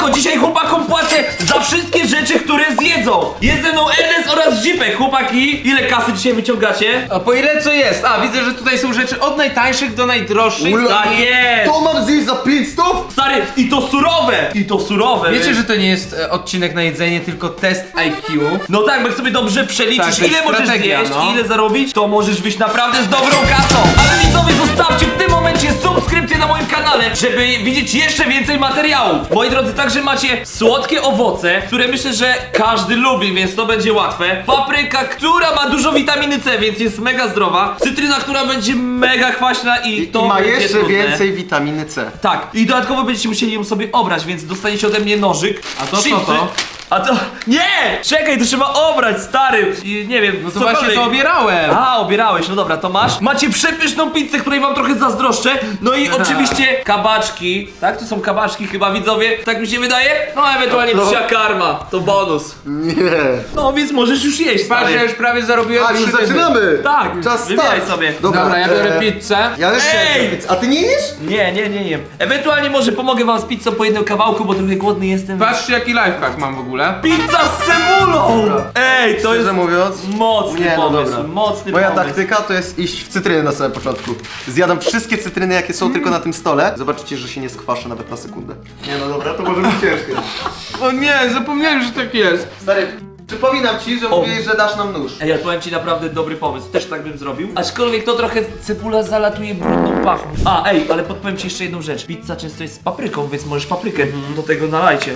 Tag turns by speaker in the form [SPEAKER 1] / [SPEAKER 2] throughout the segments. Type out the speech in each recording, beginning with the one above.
[SPEAKER 1] Dlatego dzisiaj chłopakom płacę za wszystkie rzeczy, które zjedzą. Jest ze mną Ernest oraz Zipek. Chłopaki, ile kasy dzisiaj wyciągacie?
[SPEAKER 2] A po ile co jest? A, widzę, że tutaj są rzeczy od najtańszych do najdroższych.
[SPEAKER 1] Tak jest!
[SPEAKER 3] To mam zjeść za 500?
[SPEAKER 1] Stary, i to surowe! I to surowe!
[SPEAKER 2] Wiecie, że to nie jest odcinek na jedzenie, tylko test IQ?
[SPEAKER 1] No tak, bo jak sobie dobrze przeliczysz,
[SPEAKER 2] Tak, to jest
[SPEAKER 1] ile możesz
[SPEAKER 2] strategia,
[SPEAKER 1] zjeść
[SPEAKER 2] no.
[SPEAKER 1] i ile zarobić, to możesz wyjść naprawdę z dobrą kasą. Ale widzowie, zostawcie w tym momencie subskrypcję na moim kanale, żeby widzieć jeszcze więcej materiałów. Moi drodzy, także macie słodkie owoce, które myślę, że każdy lubi, więc to będzie łatwe. Papryka, która ma dużo witaminy C, więc jest mega zdrowa. Cytryna, która będzie mega kwaśna i to
[SPEAKER 3] I ma
[SPEAKER 1] będzie
[SPEAKER 3] jeszcze
[SPEAKER 1] trudne.
[SPEAKER 3] więcej witaminy C.
[SPEAKER 1] Tak, i dodatkowo będziecie musieli ją sobie obrać, więc dostaniecie ode mnie nożyk.
[SPEAKER 2] A to co
[SPEAKER 1] chipsy.
[SPEAKER 2] to?
[SPEAKER 1] A to... Nie! Czekaj, to trzeba obrać, stary! I nie wiem,
[SPEAKER 2] No to właśnie to obierałem.
[SPEAKER 1] A, obierałeś, no dobra, to masz. Macie przepyszną pizzę, której wam trochę zazdroszczę. No i oczywiście kabaczki. Tak, to są kabaczki chyba, widzowie? Tak mi się wydaje? No, ewentualnie
[SPEAKER 3] No.
[SPEAKER 1] psia karma, to bonus.
[SPEAKER 3] Nie.
[SPEAKER 1] No, więc możesz już jeść,
[SPEAKER 2] Patrz, ja
[SPEAKER 1] stary.
[SPEAKER 2] już prawie zarobiłem
[SPEAKER 3] A, już
[SPEAKER 2] 3 dychy.
[SPEAKER 3] zaczynamy!
[SPEAKER 1] Tak,
[SPEAKER 3] Czas
[SPEAKER 1] wybieraj
[SPEAKER 3] start.
[SPEAKER 1] sobie.
[SPEAKER 2] Dobra, ja biorę pizzę.
[SPEAKER 3] Ja też
[SPEAKER 1] Ej!
[SPEAKER 3] chcę. A ty nie jesz?
[SPEAKER 1] Nie jem. Ewentualnie może pomogę wam z pizzą po jednym kawałku, bo trochę głodny jestem.
[SPEAKER 2] Patrzcie, jaki lifehack mam w ogóle.
[SPEAKER 1] Pizza z cebulą! Ej, to jest
[SPEAKER 3] Szczerze mówiąc,
[SPEAKER 1] mocny
[SPEAKER 3] nie, no
[SPEAKER 1] pomysł,
[SPEAKER 3] dobra.
[SPEAKER 1] mocny
[SPEAKER 3] Moja
[SPEAKER 1] pomysł.
[SPEAKER 3] taktyka to jest iść w cytryny na samym początku. Zjadam wszystkie cytryny, jakie są tylko na tym stole. Zobaczycie, że się nie skwaszę nawet na sekundę. Nie no dobra, to może być ciężkie.
[SPEAKER 2] O nie, zapomniałem, że tak jest.
[SPEAKER 3] Stary, przypominam ci, że mówiłeś, że dasz nam nóż.
[SPEAKER 1] Ej, ja powiem ci naprawdę dobry pomysł, też tak bym zrobił. Aczkolwiek to trochę cebula zalatuje brudną pachą. A, ej, ale podpowiem ci jeszcze jedną rzecz. Pizza często jest z papryką, więc możesz paprykę do tego nalajcie.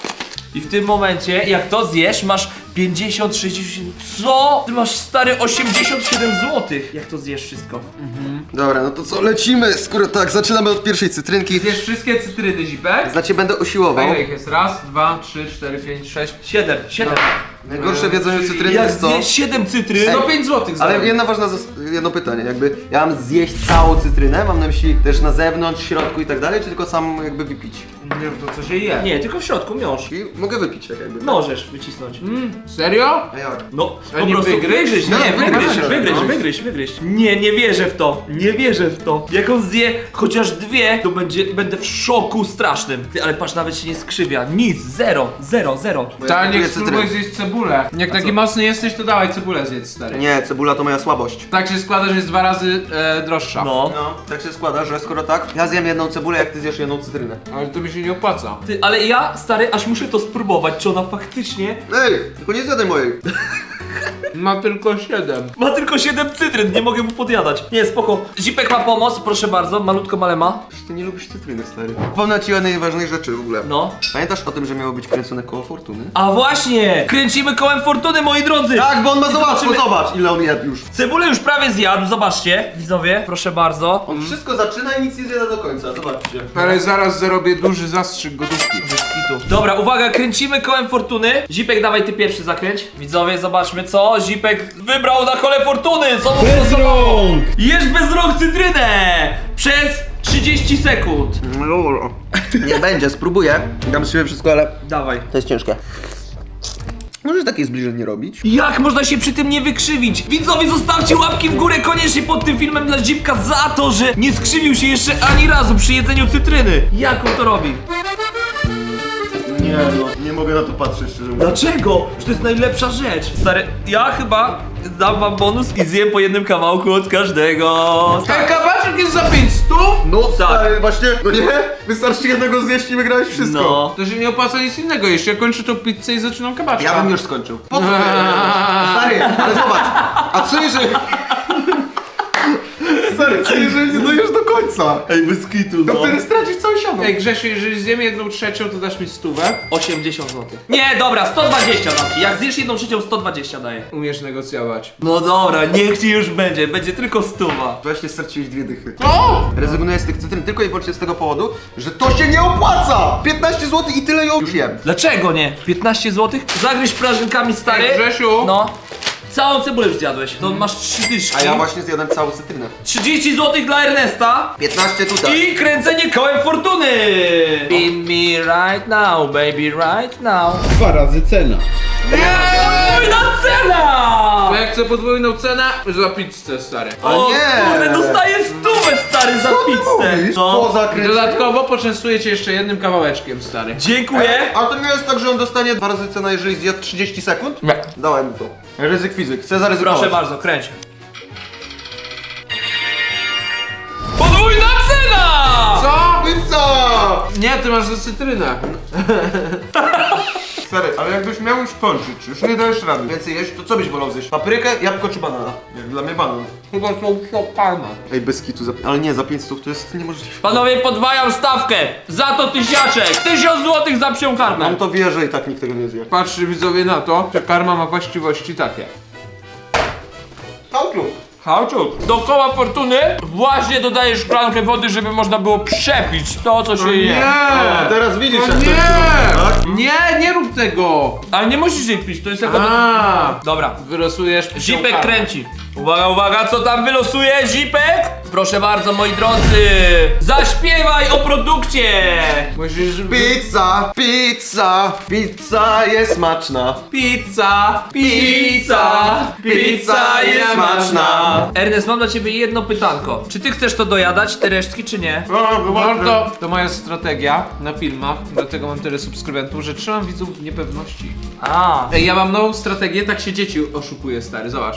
[SPEAKER 1] I w tym momencie, jak to zjesz, masz 50, 60... Co? Ty masz, stary, 87 zł. Jak to zjesz wszystko?
[SPEAKER 3] Dobra, no to co, lecimy, skoro tak, zaczynamy od pierwszej cytrynki.
[SPEAKER 2] Zjesz wszystkie cytryny, Zipek?
[SPEAKER 3] Znaczy będę usiłował.
[SPEAKER 2] A ile ich jest? Raz, dwa, 3, 4, 5, 6.
[SPEAKER 1] 7.
[SPEAKER 3] Najgorsze w jedzeniu cytryny
[SPEAKER 1] Jak
[SPEAKER 3] jest to...
[SPEAKER 1] zjesz 7 cytryn...
[SPEAKER 2] 105 zł
[SPEAKER 3] Ale jedno pytanie, jakby ja mam zjeść całą cytrynę, mam na myśli też na zewnątrz, w środku i tak dalej, czy tylko sam jakby wypić?
[SPEAKER 2] Nie wiem, to co się je.
[SPEAKER 1] Nie, tylko w środku, miąższ.
[SPEAKER 3] I mogę wypić tak jakby.
[SPEAKER 1] Możesz wycisnąć.
[SPEAKER 2] Serio?
[SPEAKER 3] A jak?
[SPEAKER 1] No,
[SPEAKER 2] A
[SPEAKER 1] po
[SPEAKER 2] nie
[SPEAKER 1] prostu
[SPEAKER 2] wygryź?
[SPEAKER 1] wygryź,
[SPEAKER 3] No,
[SPEAKER 1] nie,
[SPEAKER 3] wygryź.
[SPEAKER 1] wygryź. Nie wierzę w to, nie wierzę w to. Jak on zje chociaż 2, to będę w szoku strasznym. Ty, ale patrz, nawet się nie skrzywia, nic, zero.
[SPEAKER 3] Bo ja
[SPEAKER 2] Ta,
[SPEAKER 3] kupuję
[SPEAKER 2] nie spróbuj zjeść cebulę. Jak taki mocny jesteś, to dawaj cebulę zjedz, stary.
[SPEAKER 3] Nie, cebula to moja słabość.
[SPEAKER 2] Tak się składa, że jest 2 razy droższa.
[SPEAKER 1] No.
[SPEAKER 3] No, tak się składa, że skoro tak, ja zjem jedną cebulę, jak ty zjesz jedną cytrynę.
[SPEAKER 2] Ale to mi się nie opłaca.
[SPEAKER 1] Ty, ale ja, stary, aż muszę to spróbować, czy ona faktycznie
[SPEAKER 3] Ej, tylko nie zjadaj mojej.
[SPEAKER 2] Ma tylko 7.
[SPEAKER 1] ma tylko 7 cytryn, nie mogę mu podjadać. Nie, spoko. Zipek ma pomoc, proszę bardzo, malutko malema.
[SPEAKER 3] Przecież ty nie lubisz cytryny, stary. Powiem ci o najważniejszej rzeczy w ogóle.
[SPEAKER 1] No.
[SPEAKER 3] Pamiętasz o tym, że miało być kręcone koło fortuny?
[SPEAKER 1] A właśnie, kręcimy kołem fortuny, moi drodzy.
[SPEAKER 3] Tak, bo on ma za łatwo,
[SPEAKER 1] Zobaczymy.
[SPEAKER 3] zobacz ile on jadł już.
[SPEAKER 1] Cebulę już prawie zjadł, zobaczcie, widzowie, proszę bardzo.
[SPEAKER 3] On wszystko zaczyna i nic nie zjada do końca, zobaczcie.
[SPEAKER 2] Ale zaraz zarobię duży zastrzyk gotówki.
[SPEAKER 1] Dobra, uwaga, kręcimy kołem fortuny. Zipek, dawaj ty pierwszy zakręć. Widzowie, zobaczmy co Zipek wybrał na kole fortuny. Co mu głosowało? Jesz bez rąk cytrynę przez 30 sekund.
[SPEAKER 3] No, nie będzie, spróbuję. Dam sobie wszystko, ale
[SPEAKER 1] Dawaj.
[SPEAKER 3] to jest ciężkie. Możesz takie zbliżenie robić?
[SPEAKER 1] Jak można się przy tym nie wykrzywić? Widzowie, zostawcie łapki w górę koniecznie pod tym filmem dla Zipka za to, że nie skrzywił się jeszcze ani razu przy jedzeniu cytryny. Jak on to robi?
[SPEAKER 3] Nie no, nie mogę na to patrzeć szczerze mówiąc.
[SPEAKER 1] Dlaczego? Że to jest najlepsza rzecz. Stary, ja chyba dam wam bonus i zjem po jednym kawałku od każdego.
[SPEAKER 2] Ten kabaczek jest za 500?
[SPEAKER 3] No stary, właśnie, no nie? Wystarczy jednego zjeść i wygrałeś wszystko.
[SPEAKER 1] No.
[SPEAKER 2] To się nie opłaca nic innego. Jeszcze kończę tą pizzę i zaczynam kabaczka.
[SPEAKER 3] Ja bym już skończył. Po co? Stary, ale zobacz. A co jeżeli... Stary, co jeżeli nie dojesz do końca?
[SPEAKER 1] Ej, bez kitu,
[SPEAKER 3] No wtedy stracisz całe siano.
[SPEAKER 2] Ej Grzesiu, jeżeli zjem 1/3, to dasz mi 100?
[SPEAKER 1] 80 zł. Nie, dobra, 120 dam ci. Jak zjesz 1/3, 120 daję.
[SPEAKER 2] Umiesz negocjować.
[SPEAKER 1] No dobra, niech ci już będzie. Będzie tylko 100.
[SPEAKER 3] Właśnie straciłeś 2 dychy.
[SPEAKER 2] O!
[SPEAKER 3] Rezygnuję z tych cytryn tylko i wyłącznie z tego powodu, że to się nie opłaca! 15 zł i tyle ją już jem.
[SPEAKER 1] Dlaczego nie? 15 zł? Zagryź prażynkami, stary.
[SPEAKER 2] Ej, Grzesiu!
[SPEAKER 1] No. Całą cebulę już zjadłeś. To masz 3 dyszki.
[SPEAKER 3] A ja właśnie zjadłem całą cytrynę.
[SPEAKER 1] 30 zł dla Ernesta.
[SPEAKER 3] 15 tutaj.
[SPEAKER 1] I kręcenie kołem fortuny. Be me right now, baby, right now.
[SPEAKER 4] 2 razy cena.
[SPEAKER 1] Podwójna cena!
[SPEAKER 2] To ja chcę podwójną cenę za pizzę, stary.
[SPEAKER 3] Ale
[SPEAKER 1] O
[SPEAKER 3] nie!
[SPEAKER 1] kurde, dostaję 100 stary za
[SPEAKER 3] Co ty
[SPEAKER 1] pizzę.
[SPEAKER 3] mówisz?
[SPEAKER 1] No.
[SPEAKER 3] Poza kręceniem.
[SPEAKER 2] Dodatkowo poczęstuję cię jeszcze jednym kawałeczkiem, stary.
[SPEAKER 1] Dziękuję.
[SPEAKER 3] A to nie jest tak, że on dostanie 2 razy cenę, jeżeli zjadł 30 sekund?
[SPEAKER 1] Nie.
[SPEAKER 3] Dawaj mu to. Ryzyk fizyk, chcę zaryzykować.
[SPEAKER 1] Proszę bardzo, kręć. Podwójna cena!
[SPEAKER 2] Co?
[SPEAKER 3] Pizza!
[SPEAKER 2] Nie, ty masz za cytrynę.
[SPEAKER 3] Stary, ale jakbyś miał już kończyć, już nie dajesz rady. Więcej jeść, to co byś wolał zjeść? Paprykę, jabłko czy banana? Jak dla mnie banan.
[SPEAKER 2] Chyba to palma.
[SPEAKER 3] Ej, bez kitu, ale nie, za 500 to jest niemożliwe.
[SPEAKER 1] Panowie, podwajam stawkę. Za to tysiaczek. 1000 złotych za psią karmę.
[SPEAKER 3] Mam to wierzę i tak nikt tego nie zje.
[SPEAKER 2] Patrzcie widzowie na to, że karma ma właściwości takie.
[SPEAKER 3] Kauczuk.
[SPEAKER 1] Hałczuk. Do koła fortuny właśnie dodaję szklankę wody, żeby można było przepić to, co się je.
[SPEAKER 3] O, teraz widzisz,
[SPEAKER 2] O
[SPEAKER 3] jak to
[SPEAKER 2] nie!
[SPEAKER 3] jest, tak?
[SPEAKER 2] Nie rób tego!
[SPEAKER 1] Ale nie musisz jej pić, to jest jako...
[SPEAKER 2] A,
[SPEAKER 1] Dobra.
[SPEAKER 2] wylosujesz psią
[SPEAKER 1] Zipek
[SPEAKER 2] karmę.
[SPEAKER 1] kręci. Uwaga, uwaga, co tam wylosuje Zipek? Proszę bardzo, moi drodzy. Zaśpiewaj o produkcie.
[SPEAKER 2] Musisz...
[SPEAKER 3] Pizza, pizza, pizza jest smaczna.
[SPEAKER 2] Pizza,
[SPEAKER 3] Pizza jest smaczna.
[SPEAKER 1] Ernest, mam dla ciebie jedno pytanko. Czy ty chcesz to dojadać, te resztki, czy nie?
[SPEAKER 2] No to moja strategia na filmach, dlatego mam tyle subskrybentów, że trzymam widzów w niepewności.
[SPEAKER 1] A.
[SPEAKER 2] Ej, ja mam nową strategię, tak się dzieci oszukuje, stary, zobacz.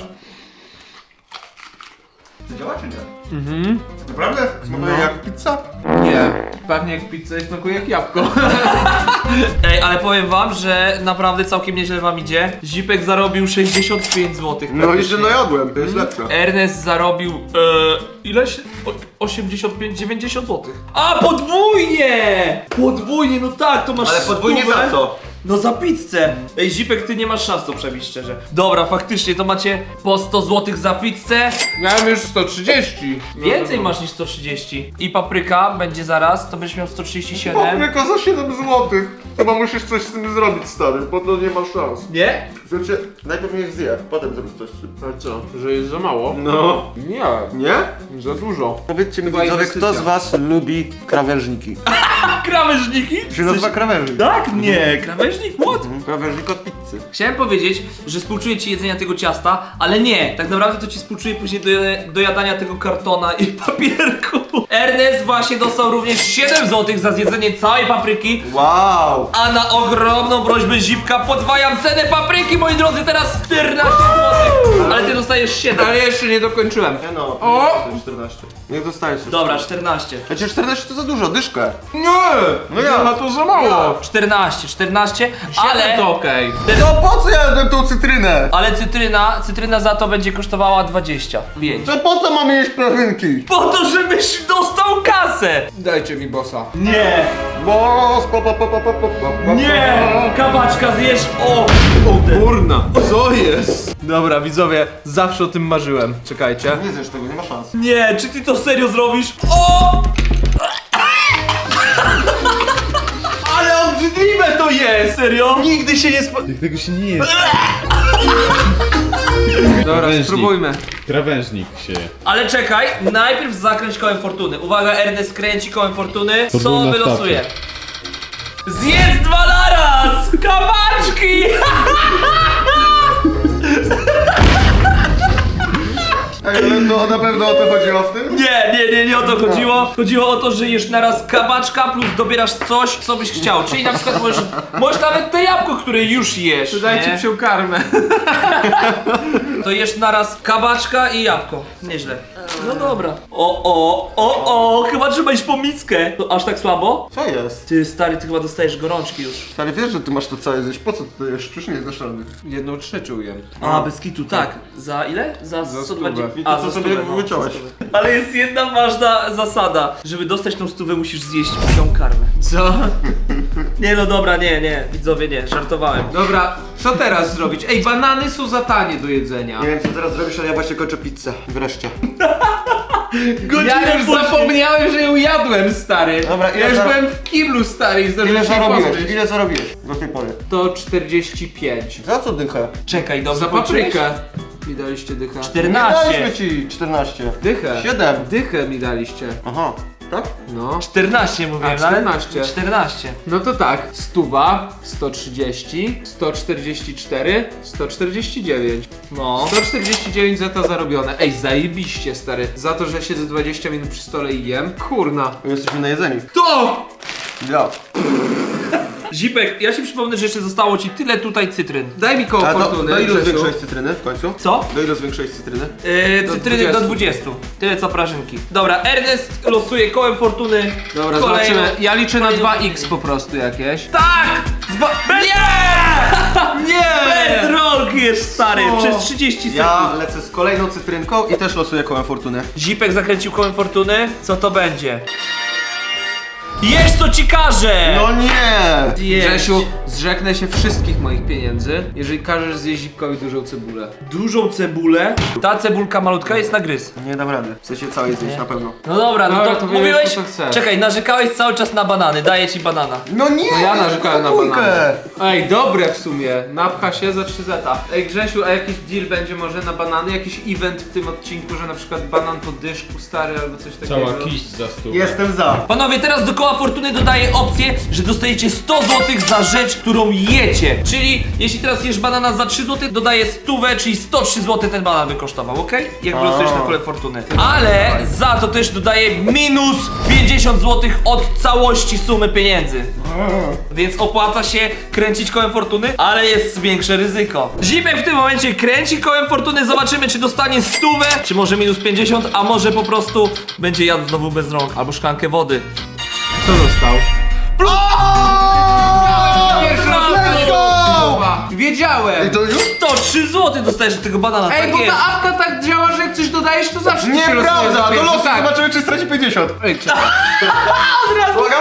[SPEAKER 3] Działa czy nie? Mhm. Naprawdę? Smakuje jak pizza?
[SPEAKER 2] Nie, pachnie jak pizza i smakuje jak jabłko.
[SPEAKER 1] Ej, ale powiem wam, że naprawdę całkiem nieźle wam idzie. Zipek zarobił 65 zł.
[SPEAKER 3] No i że najadłem, to jest lepsze.
[SPEAKER 1] Ernest zarobił ileś? 85, 90 zł. A, podwójnie! Podwójnie, no tak, to masz
[SPEAKER 3] Ale podwójnie
[SPEAKER 1] stówę.
[SPEAKER 3] za co?
[SPEAKER 1] No za pizzę. Ej, Zipek, ty nie masz szans to przebić, szczerze. Dobra, faktycznie, to macie po 100 zł za pizzę.
[SPEAKER 2] Miałem już 130.
[SPEAKER 1] Więcej masz niż 130. I papryka będzie zaraz, to będziesz miał 137.
[SPEAKER 3] Papryka za 7 zł. Chyba musisz coś z tym zrobić, stary, bo to nie ma szans.
[SPEAKER 1] Nie?
[SPEAKER 3] Znaczy, najpierw niech zje, potem zrób coś z tym.
[SPEAKER 2] A co, że jest za mało?
[SPEAKER 3] No.
[SPEAKER 2] Nie,
[SPEAKER 3] Nie?
[SPEAKER 2] za dużo.
[SPEAKER 3] Powiedzcie mi,
[SPEAKER 2] Chyba
[SPEAKER 3] widzowie,
[SPEAKER 2] inwestycja.
[SPEAKER 3] kto z was lubi krawężniki?
[SPEAKER 1] A krawężniki?
[SPEAKER 3] Się nazywa krawężnik.
[SPEAKER 1] Tak? Nie, krawężnik? What?
[SPEAKER 3] Krawężnik od pizzy.
[SPEAKER 1] Chciałem powiedzieć, że współczuję ci jedzenia tego ciasta, ale nie, tak naprawdę to ci współczuję później do jadania tego kartona i papierku. Ernest właśnie dostał również 7 zł za zjedzenie całej papryki,
[SPEAKER 3] Wow!
[SPEAKER 1] a na ogromną prośbę Zipka podwajam cenę papryki, moi drodzy, teraz 14 zł. Ale ty dostajesz 7.
[SPEAKER 2] Ale jeszcze nie dokończyłem.
[SPEAKER 3] Nie no,
[SPEAKER 2] O!
[SPEAKER 3] 14. Niech dostajesz już.
[SPEAKER 1] Dobra, 14.
[SPEAKER 3] Znaczy 14 to za dużo, dyszkę.
[SPEAKER 2] Nie!
[SPEAKER 3] No ja.
[SPEAKER 2] Chyba to za mało.
[SPEAKER 1] 14,
[SPEAKER 2] Ale
[SPEAKER 1] ale...
[SPEAKER 2] to okej.
[SPEAKER 3] No po co ja jadłem tą cytrynę?
[SPEAKER 1] Ale cytryna za to będzie kosztowała 25.
[SPEAKER 3] To po co mamy jeść prażynki?
[SPEAKER 1] Po to, żebyś dostał kasę!
[SPEAKER 2] Dajcie mi bossa.
[SPEAKER 1] Nie!
[SPEAKER 3] Bo
[SPEAKER 1] Nie! Kabaczka zjesz! O!
[SPEAKER 2] Kurna, co jest? Dobra, widzowie, zawsze o tym marzyłem. Czekajcie.
[SPEAKER 3] Nie zjesz tego, nie ma szans.
[SPEAKER 1] Nie, czy ty to serio zrobisz? O!
[SPEAKER 2] Ale obrzydliwe to jest!
[SPEAKER 1] Serio?
[SPEAKER 2] Nigdy się nie
[SPEAKER 4] Tego się nie jest.
[SPEAKER 2] Dobra,
[SPEAKER 4] Krawężnik.
[SPEAKER 2] spróbujmy.
[SPEAKER 4] Krawężnik się.
[SPEAKER 1] Ale czekaj, najpierw zakręć kołem fortuny. Uwaga, Ernest kręci kołem fortuny. Co
[SPEAKER 4] Podwójna
[SPEAKER 1] wylosuje? Zjedz 2 naraz! Kabaczki!
[SPEAKER 3] Ej, ale to na pewno o to chodziło w tym?
[SPEAKER 1] Nie o to chodziło. Chodziło o to, że jesz naraz kabaczka plus dobierasz coś, co byś chciał. Czyli na przykład możesz nawet te jabłko, które już jesz.
[SPEAKER 2] Dajcie
[SPEAKER 1] nie?
[SPEAKER 2] psią karmę.
[SPEAKER 1] To jesz naraz kabaczka i jabłko. Nieźle. No dobra. O, chyba trzeba iść po mickę. To aż tak słabo?
[SPEAKER 3] Co jest?
[SPEAKER 1] Ty stary, ty chyba dostajesz gorączki już.
[SPEAKER 3] Stary, wiesz, że ty masz to całe zjeść, po co ty jesz? Przecież nie znasz rady.
[SPEAKER 2] 1/3 jem.
[SPEAKER 1] A, bez kitu, tak. Za ile? Za 120.
[SPEAKER 3] I to co sobie wyciąłeś.
[SPEAKER 1] Ale jest jedna ważna zasada. Żeby dostać tą 100 musisz zjeść psią karmę. Co? Nie no dobra, nie, widzowie nie, żartowałem.
[SPEAKER 2] Dobra, co teraz zrobić? Ej, banany są za tanie do jedzenia.
[SPEAKER 3] Nie wiem, co teraz zrobisz, ale ja właśnie kończę pizzę. Wreszcie.
[SPEAKER 2] Ja już zapomniałem, że ją jadłem, stary.
[SPEAKER 3] Dobra, ile
[SPEAKER 2] ja już
[SPEAKER 3] za-
[SPEAKER 2] byłem w kiblu, stary, i
[SPEAKER 3] Ile
[SPEAKER 2] zdążyłem się
[SPEAKER 3] zarobiłeś?
[SPEAKER 2] pozbyć.
[SPEAKER 3] Ile zarobiłeś do tej pory?
[SPEAKER 2] To 45.
[SPEAKER 3] Za co dychę?
[SPEAKER 1] Czekaj, dobrze
[SPEAKER 2] Za
[SPEAKER 1] policzyłeś?
[SPEAKER 2] paprykę. Mi daliście dychę.
[SPEAKER 3] Nie
[SPEAKER 1] 14.
[SPEAKER 3] daliśmy ci 14.
[SPEAKER 2] Dychę.
[SPEAKER 3] 7.
[SPEAKER 2] Dychę mi daliście.
[SPEAKER 3] Aha. tak?
[SPEAKER 2] No.
[SPEAKER 1] 14 mówiłem,
[SPEAKER 2] A,
[SPEAKER 1] ale
[SPEAKER 2] 14.
[SPEAKER 1] 14.
[SPEAKER 2] No to tak, 100, 130, 144, 149.
[SPEAKER 1] No.
[SPEAKER 2] 149 za to zarobione. Ej, zajebiście, stary. Za to, że siedzę 20 minut przy stole i jem. Kurna.
[SPEAKER 3] My jesteśmy najedzeni.
[SPEAKER 2] To!
[SPEAKER 3] Ja.
[SPEAKER 1] Zipek, ja ci przypomnę, że jeszcze zostało ci tyle tutaj cytryn.
[SPEAKER 2] Daj mi koło
[SPEAKER 3] A
[SPEAKER 2] fortuny,
[SPEAKER 3] do ilu
[SPEAKER 2] Grzesiu.
[SPEAKER 3] zwiększyłeś cytryny w końcu?
[SPEAKER 1] Co?
[SPEAKER 3] Do ilu zwiększyłeś cytryny?
[SPEAKER 1] Cytryny do 20. Tyle co prażynki. Dobra, Ernest losuje kołem fortuny.
[SPEAKER 2] Dobra,
[SPEAKER 1] Kolejną-
[SPEAKER 2] zobaczymy. Ja liczę na
[SPEAKER 1] kolejną
[SPEAKER 2] 2x po prostu jakieś.
[SPEAKER 1] Tak! Nie!
[SPEAKER 2] Nie!
[SPEAKER 1] Bez rąk jest stary,
[SPEAKER 2] Co?
[SPEAKER 1] przez 30 sekund.
[SPEAKER 3] Ja lecę z kolejną cytrynką i też losuję kołem fortuny.
[SPEAKER 1] Zipek zakręcił kołem fortuny. Co to będzie? Jesz co ci każę!
[SPEAKER 3] No nie!
[SPEAKER 1] Jeść.
[SPEAKER 2] Grzesiu, zrzeknę się wszystkich moich pieniędzy, jeżeli każesz zjeść Zipkowi dużą cebulę.
[SPEAKER 1] Dużą cebulę. Ta cebulka malutka jest na gryz.
[SPEAKER 3] Nie dam rady. Chcę się całej zjeść na pewno.
[SPEAKER 1] No dobra, no
[SPEAKER 2] Dobra,
[SPEAKER 1] to
[SPEAKER 2] to
[SPEAKER 1] mówiłeś...
[SPEAKER 2] wybierz, co chcesz.
[SPEAKER 1] Czekaj, narzekałeś cały czas na banany, daję ci banana.
[SPEAKER 3] No nie!
[SPEAKER 2] To ja narzekałem na
[SPEAKER 3] dwójkę.
[SPEAKER 2] banany. Ej, dobre w sumie. Napcha się za 3 zeta. Ej, Grzesiu, a jakiś deal będzie może na banany? Jakiś event w tym odcinku, że na przykład banan po dyszku stary albo coś takiego?
[SPEAKER 4] Cała kiść za stół.
[SPEAKER 3] Jestem za.
[SPEAKER 1] Panowie, teraz do koła fortuny dodaję opcję, że dostajecie 100 zł za rzecz, którą jecie. Czyli jeśli teraz jesz banana za 3 zł, dodaję 100, czyli 103 zł ten banan by kosztował, ok? Jak wylosujesz na kole fortuny. Ale za to też dodaję minus 50 zł od całości sumy pieniędzy. Więc opłaca się kręcić kołem fortuny, ale jest większe ryzyko. Zipek w tym momencie kręci kołem fortuny, zobaczymy czy dostanie 100, czy może minus 50, a może po prostu będzie jadł znowu bez rąk, albo szklankę wody.
[SPEAKER 2] Co dostał? Pierwszy raz
[SPEAKER 3] Let's go!
[SPEAKER 2] Wiedziałem!
[SPEAKER 3] I to już?
[SPEAKER 1] 103 zł dostajesz od tego banana,
[SPEAKER 2] Ej,
[SPEAKER 1] tak
[SPEAKER 2] bo
[SPEAKER 1] jest.
[SPEAKER 2] ta apka tak działa, że jak coś dodajesz, to zawsze ci się losuje za
[SPEAKER 3] Nieprawda! Do
[SPEAKER 2] pierwszy.
[SPEAKER 3] losu
[SPEAKER 2] Tak.
[SPEAKER 3] zobaczymy, czy straci 50.
[SPEAKER 2] Ej, czekaj.
[SPEAKER 3] Uwaga!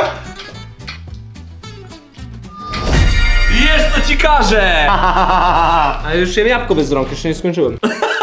[SPEAKER 1] Jest co ci każę!
[SPEAKER 2] A już jem jabłko bez rąk, jeszcze nie skończyłem.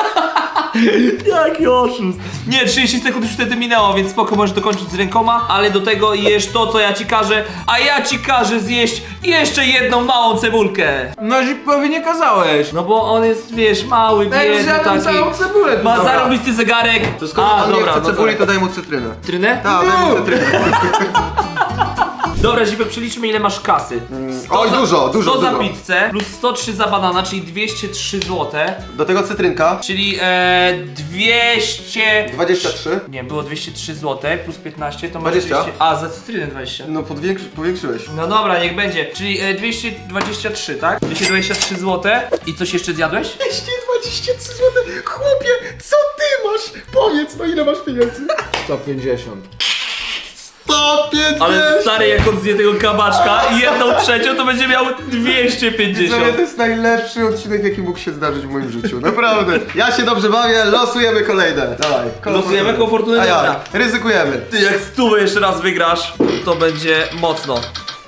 [SPEAKER 1] Jaki oszust. Nie, 30 sekund już wtedy minęło, więc spoko, możesz dokończyć z rękoma, ale do tego jesz to, co ja ci każę, a ja ci każę zjeść jeszcze jedną małą cebulkę.
[SPEAKER 2] No Zipkowi nie kazałeś.
[SPEAKER 1] No bo on jest, wiesz, mały,
[SPEAKER 2] Ej,
[SPEAKER 1] biedny
[SPEAKER 2] zjadłem
[SPEAKER 1] taki.
[SPEAKER 2] całą cebulę.
[SPEAKER 1] Ma
[SPEAKER 2] Dobra.
[SPEAKER 1] zarobisty zegarek.
[SPEAKER 3] To skoro pan nie chce cebuli, to daj mu cytrynę.
[SPEAKER 1] Trynę?
[SPEAKER 3] Tak, daj mu cytrynę.
[SPEAKER 1] Dobra, Zipek, przeliczmy ile masz kasy.
[SPEAKER 3] Oj, dużo,
[SPEAKER 1] 100 za
[SPEAKER 3] dużo.
[SPEAKER 1] pizzę, plus 103 za banana, czyli 203 zł.
[SPEAKER 3] Do tego cytrynka.
[SPEAKER 1] Czyli 200...
[SPEAKER 3] 23.
[SPEAKER 1] Nie, było 203 zł, plus 15 to masz
[SPEAKER 3] 20.
[SPEAKER 1] 200... A, za cytrynę 20.
[SPEAKER 3] No powiększyłeś.
[SPEAKER 1] No dobra, niech będzie. Czyli 223, tak? 223 zł. I coś jeszcze zjadłeś?
[SPEAKER 3] 223 zł. Chłopie, co ty masz? Powiedz, no ile masz pieniędzy?
[SPEAKER 2] 150.
[SPEAKER 3] 150!
[SPEAKER 1] Ale stary, jak on zje tego kabaczka i 1/3, to będzie miał 250.
[SPEAKER 3] Widzowie, to jest najlepszy odcinek, jaki mógł się zdarzyć w moim życiu. Naprawdę. Ja się dobrze bawię, losujemy kolejne. Dawaj.
[SPEAKER 1] Losujemy koło fortuny?
[SPEAKER 3] A
[SPEAKER 1] Dobra.
[SPEAKER 3] jak? Ryzykujemy.
[SPEAKER 1] Ty, jak 100 jeszcze raz wygrasz, to będzie mocno.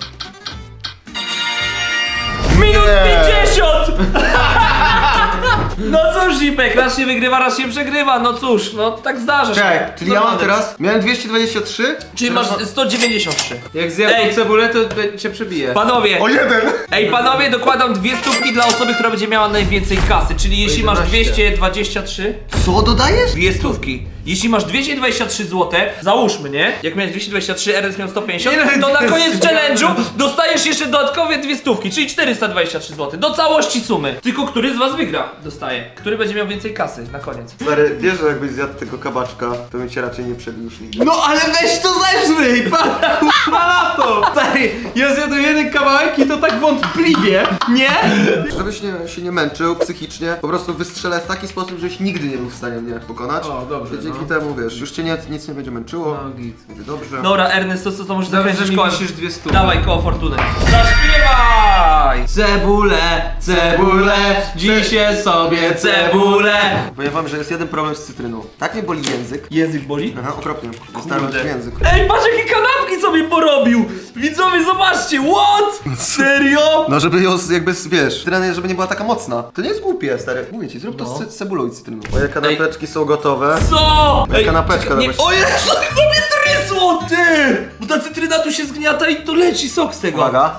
[SPEAKER 1] Minus
[SPEAKER 3] Nie.
[SPEAKER 1] 50! No cóż, Zipek, raz się wygrywa, raz się przegrywa. No cóż, no tak zdarza się.
[SPEAKER 3] Czekaj, czyli ja mam
[SPEAKER 1] Normalne.
[SPEAKER 3] teraz, miałem 223?
[SPEAKER 1] Czyli masz 193.
[SPEAKER 2] Jak zjadł
[SPEAKER 1] Ej.
[SPEAKER 2] cebulę, to cię przebije.
[SPEAKER 1] Panowie,
[SPEAKER 3] O jeden!
[SPEAKER 1] ej panowie, dokładam 2 stówki dla osoby, która będzie miała najwięcej kasy. Czyli jeśli masz
[SPEAKER 3] 11.
[SPEAKER 1] 223,
[SPEAKER 3] Co dodajesz?
[SPEAKER 1] 2 stówki. Jeśli masz 223 zł, załóżmy, nie? Jak miałeś 223, RS miał 150, to na koniec challenge'u dostajesz jeszcze dodatkowe 2 stówki, czyli 423 zł. Do całości sumy. Tylko który z was wygra, dostaje. Który będzie miał więcej kasy na koniec.
[SPEAKER 3] Stary, wiesz, że jakbyś zjadł tego kabaczka, to bym cię raczej nie przebił już nigdy.
[SPEAKER 2] No ale weź to zeżryj, pan na to! Stary, ja zjadłem jeden kawałek i to tak wątpliwie, nie?
[SPEAKER 3] Żebyś się nie męczył psychicznie, po prostu wystrzelę w taki sposób, żebyś nigdy nie był w stanie mnie pokonać.
[SPEAKER 2] O, dobrze,
[SPEAKER 3] I dzięki
[SPEAKER 2] no.
[SPEAKER 3] temu, wiesz, już cię nic nie będzie męczyło.
[SPEAKER 2] No git.
[SPEAKER 3] Będzie dobrze.
[SPEAKER 1] Dobra, Ernest, to może
[SPEAKER 2] Dobrze, że
[SPEAKER 1] zakręcić
[SPEAKER 2] mi
[SPEAKER 1] kołem.
[SPEAKER 2] wisisz 200.
[SPEAKER 1] Dawaj koło fortuny. Zaśpiewaj!
[SPEAKER 2] Cebulę, cebulę, dzisiaj sobie cebulę.
[SPEAKER 3] Powiem wam, że jest jeden problem z cytryną. Tak mnie boli język.
[SPEAKER 1] Język boli?
[SPEAKER 3] Aha, okropnie. Dostałem w język.
[SPEAKER 1] Ej, patrz jakie kanapki sobie porobił! Widzowie, zobaczcie, what? Serio?
[SPEAKER 3] No żeby ją jakby, wiesz, cytryna, żeby nie była taka mocna. To nie jest głupie, stary. Mówię ci, zrób to
[SPEAKER 1] No.
[SPEAKER 3] z cebulą i cytryną. Moje kanapeczki są gotowe.
[SPEAKER 1] Co?
[SPEAKER 3] Moja kanapeczka
[SPEAKER 1] czekaj, nie,
[SPEAKER 3] nawet.
[SPEAKER 1] o Jezu, to mnie trysło, ty! Bo ta cytryna tu się zgniata i to leci sok z tego.
[SPEAKER 3] Uwaga.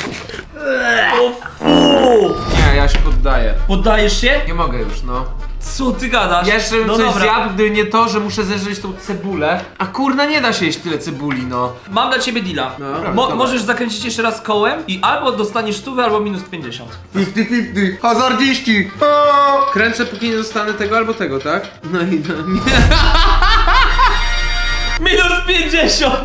[SPEAKER 1] O fu!
[SPEAKER 2] Nie, ja się poddaję.
[SPEAKER 1] Poddajesz się?
[SPEAKER 2] Nie mogę już, no.
[SPEAKER 1] Co ty gadasz?
[SPEAKER 2] Ja jeszcze bym
[SPEAKER 1] no
[SPEAKER 2] coś
[SPEAKER 1] dobra.
[SPEAKER 2] zjadł, gdyby nie to, że muszę zeżreć tą cebulę. A kurna, nie da się jeść tyle cebuli, no.
[SPEAKER 1] Mam dla ciebie deala. Możesz zakręcić jeszcze raz kołem i albo dostaniesz 100, albo minus 50.
[SPEAKER 3] 50-50. Hazardziści! O!
[SPEAKER 2] Kręcę, póki nie dostanę tego albo tego, tak? No i no.
[SPEAKER 1] Minus 50!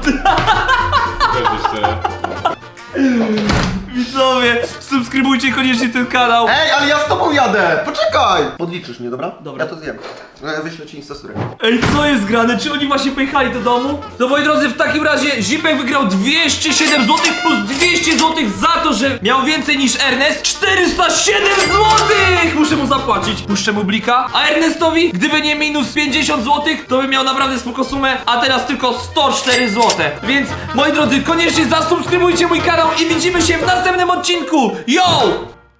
[SPEAKER 1] Widzowie, subskrybujcie koniecznie ten kanał.
[SPEAKER 3] Ej, ale ja z tobą jadę! Poczekaj! Podliczysz mnie, dobra?
[SPEAKER 1] Dobra.
[SPEAKER 3] Ja to zjem. Wyślę ci Instasturę.
[SPEAKER 1] Ej, co jest grane? Czy oni właśnie pojechali do domu? No moi drodzy, w takim razie Zipek wygrał 207 zł plus 200 zł za to, że miał więcej niż Ernest. 407 zł! Muszę mu zapłacić. Puszczę mu blika. A Ernestowi, gdyby nie minus 50 zł, to by miał naprawdę spoko sumę, a teraz tylko 104 zł. Więc moi drodzy, koniecznie zasubskrybujcie mój kanał i widzimy się w następnym odcinku. Yo!